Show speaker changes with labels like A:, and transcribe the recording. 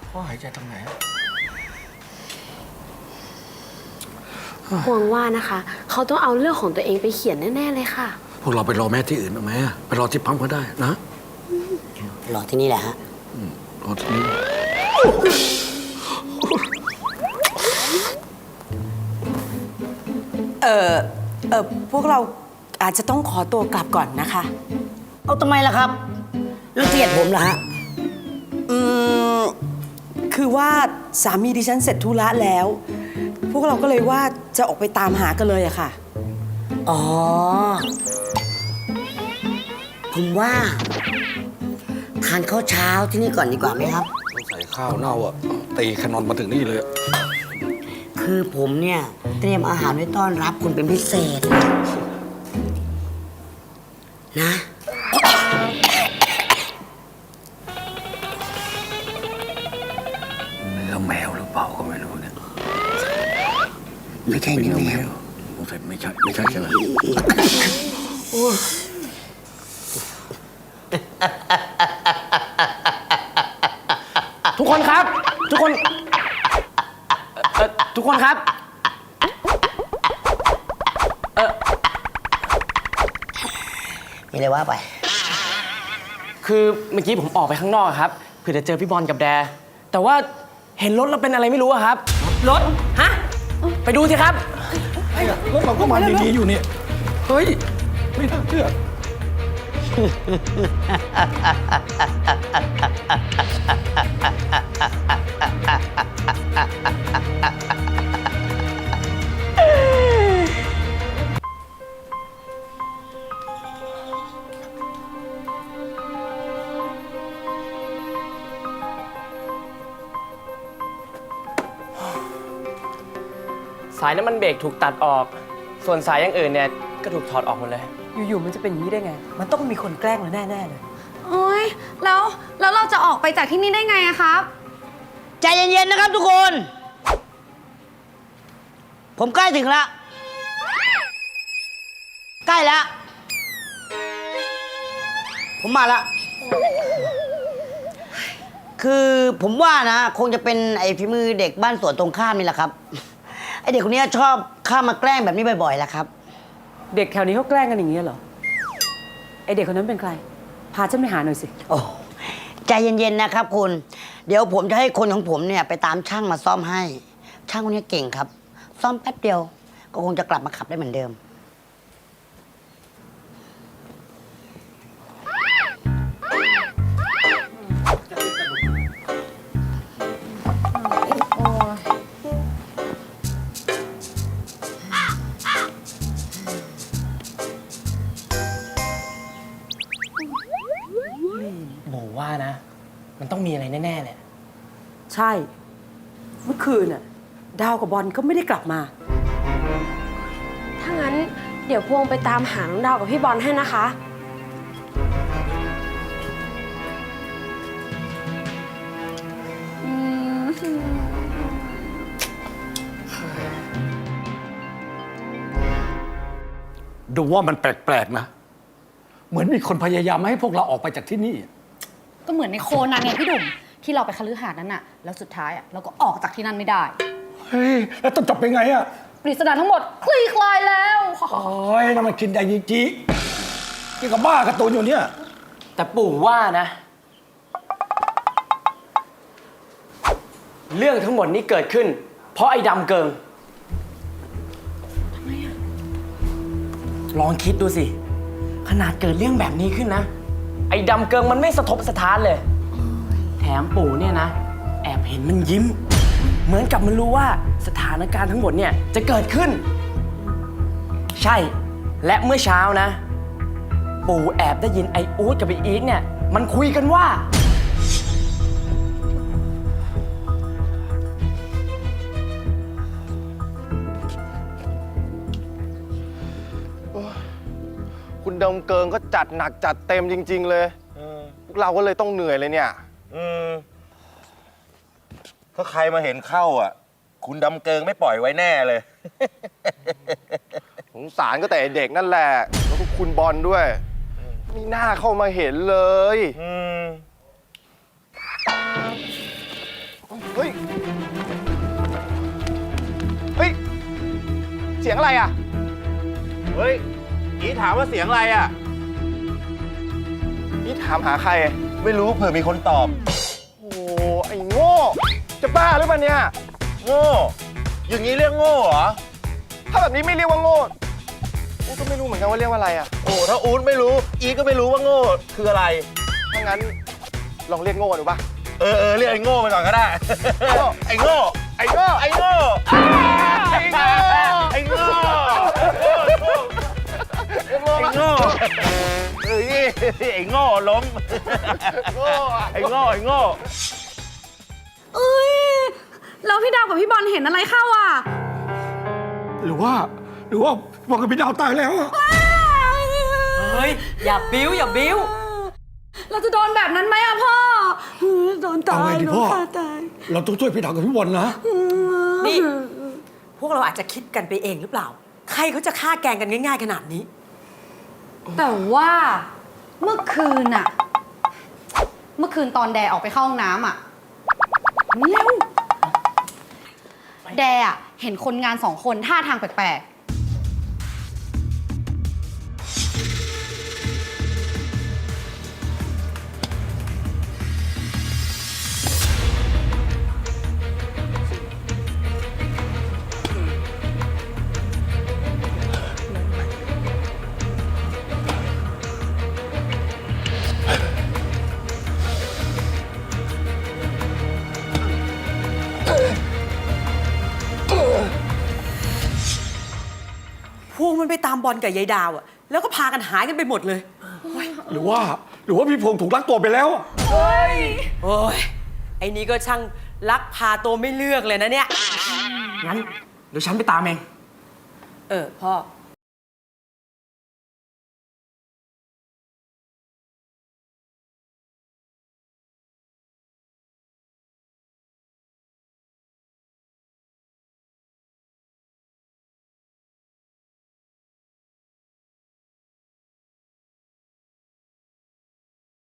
A: เขาหายใจทางไหน
B: ห่วงว่านะคะ เขาต้องเอาเรื่องของตัวเองไปเขียนแน่ๆเลยค่ะ
C: พวกเราไปรอแม่ที่อื่นเอาไหมไปรอที่ปั๊มก็ได้นะ
D: รอที่นี่แหละฮะ
C: รอที่นี่
E: พวกเราอาจจะต้องขอตัวกลับก่อนนะคะ
D: เอาทำไมล่ะครับรังเกียจผมเหรอฮะ
E: คือว่าสามีดิฉันเสร็จธุระแล้ว พวกเราก็เลยว่าจะออกไปตามหากันเลยอะค่ะ
D: อ๋อ ผมว่าทานข้าวเช้าที่นี่ก่อนดีกว่าไหมครับ
C: ใส่ข้าวเน่าอ่ะตีแคนนอนมาถึงนี่เลย
D: คือผมเนี่ยเตรียมอาหารไว้ต้อนรับคุณเป็นพิเศษนะ
C: เนื้อแมวหรือเปล่าก็ไม่รู้เนี่ย
D: ไม่ใช่เนื้อแมว
C: สงสัยไม่ใช่ใช่ไหม
A: ทุกคนครับ ทุกคนทุกคนครับ
D: มีอะไรว่าไป
A: คือเมื่อกี้ผมออกไปข้างนอกครับเพื่อจะเจอพี่บอลกับแด แต่ว่าเห็นรถแล้วเป็นอะไรไม่รู้อะครับ รถ ฮะ ไปดูสิครับ
C: รถเราก็มาดีๆอยู่เนี่ยเฮ้ยไม่น่าเชื่อ
A: สายน้ำมันเบรกถูกตัดออก ส่วนสายอย่างอื่นเนี่ยก็ถูกถอดออกหมดเลย
E: อยู่ๆมันจะเป็นอย่างนี้ได้ไง มันต้องมีคนแกล้งเราแน่ๆเลย
F: โอ๊ยแล้วเราจะออกไปจากที่นี่ได้ไงอะครับ
D: ใจเย็นๆนะครับทุกคน ผมใกล้ถึงแล้ว ใกล้แล้ว ผมมาแล้ว คือผมว่านะ คงจะเป็นไอ้ฝีมือเด็กบ้านสวนตรงข้ามนี่แหละครับ ไอ้เด็กคนนี้ชอบเข้ามาแกล้งแบบนี้บ่อยๆแหละครับ
E: เด็กแถวนี้เขาแกล้งกันอย่างนี้เหรอ ไอเด็กคนนั้นเป็นใคร พาฉันไปหาหน่อยสิ
D: โอ้ใจเย็นๆนะครับคุณ เดี๋ยวผมจะให้คนของผมเนี่ยไปตามช่างมาซ่อมให้ ช่างคนนี้เก่งครับ ซ่อมแป๊บเดียว ก็คงจะกลับมาขับได้เหมือนเดิม
A: หมูว่านะ มันต้องมีอะไรแน่ๆเลย
E: ใช่ เมื่อคืนน่ะดาวกับบอลก็ไม่ได้กลับมา
B: ถ้างั้นเดี๋ยวพวงไปตามหาน้องดาวกับพี่บอลให้นะคะ
C: ดูว่ามันแปลกๆนะ เหมือนมีคนพยายามไม่ให้พวกเราออกไปจากที่นี่
F: ก็เหมือนในโคนันไงพี่ดุ่มที่เราไปคฤหาสน์นั้นน่ะ แล้วสุดท้ายอะเราก็ออกจากที่นั่นไม่ได้
C: เฮ้ย แล้วต้องจบเป็นไงอะ
F: ปริศนาทั้งหมดคลี่คลายแล้ว
C: โอ้ยนั่นมันคินไดยิจิกี่กับบ้าการ์ตูนอยู่เนี่ย
A: แต่ปู่ว่านะ เรื่องทั้งหมดนี้เกิดขึ้น เพราะไอ้ดำเกิงทำไมอะลองคิดดูสิ ขนาดเกิดเรื่องแบบนี้ขึ้นนะ ไอ้ดำเกิงมันไม่สะทกสะท้านเลย แถมปู่เนี่ยนะ แอบเห็นมันยิ้ม เหมือนกับมันรู้ว่าสถานการณ์ทั้งหมดเนี่ยจะเกิดขึ้น ใช่ และเมื่อเช้านะ ปู่แอบได้ยินไอ้อู๊ดกับไอ้อีทเนี่ย มันคุยกันว่า
G: คุณดำเกิงก็จัดหนักจัดเต็มจริง ๆ เลยพวกเราก็เลยต้องเหนื่อยเลยเนี่ยถ้าใครมาเห็นเข้าอ่ะ คุณดำเกิงไม่ปล่อยไว้แน่เลย สงสารก็แต่เด็กนั่นแหละ แล้วก็คุณบอลด้วยมีหน้าเข้ามาเห็นเลยเฮ้ย เฮ้ย เสียงอะไรอ่ะ เฮ้ย อีถามว่าเสียงอะไรอ่ะ อีถามหาใคร ไม่รู้เผื่อมีคนตอบ โอ้ไอ้โง่ จะบ้าหรือเปล่าเนี่ย โง่ อย่างนี้เรียกโง่เหรอ ถ้าแบบนี้ไม่เรียกว่าโง่อู๊ดก็ไม่รู้เหมือนกันว่าเรียกว่าอะไรอ่ะ โอ้ถ้าอู๊ดไม่รู้ อีก็ไม่รู้ว่าโง่คืออะไร ถ้างั้นลองเรียกโง่ดูป่ะ เรียกไอ้โง่ไปก่อนก็ได้ ไอ้โง่ ไอ้โง่ ไอ้โง่ ไอ้โง่ ไอ้โง่ ไอ้โง่ ไอ้โง่ไอ้โง่ล้ม ไอ้โง่ ไอ้โง่
F: เอ้ยแล้วพี่ดาวกับพี่บอลเห็นอะไรเข้าอ่ะ
C: หรือว่าบอกกับพี่ดาวตายแล้วอะ
E: เฮ้ย อย่าบิ้วอย่าบิ้ว
F: เราจะโดนแบบนั้นไหมอะพ่อ
E: โดนตา
C: เอา
E: ย
C: ไงดี
E: โด
C: พ่
E: น
C: อ
E: ฆ่าตาย
C: เราต้องช่วยพี่ดาวกับพี่บอลนะ
E: นี่ พวกเราอาจจะคิดกันไปเองหรือเปล่า ใครเขาจะฆ่าแกล้งกันง่ายๆขนาดนี้
F: แต่ว่าเมื่อคืนตอนแดออกไปเข้าห้องน้ำอะเร็วแดอะเห็นคนงาน2 คนท่าทางแปลก
E: พวกมันไปตามบอลกับยายดาวอะแล้วก็พากันหายกันไปหมดเลย
C: หรือว่าพี่พงษ์ถูกลักตัวไปแล้วอะ
E: โอ้ย ไอ้นี่ก็ช่างลักพาตัวไม่เลือกเลยนะเนี่ย
A: งั้นเดี๋ยวฉันไปตามเอง
E: พ่อ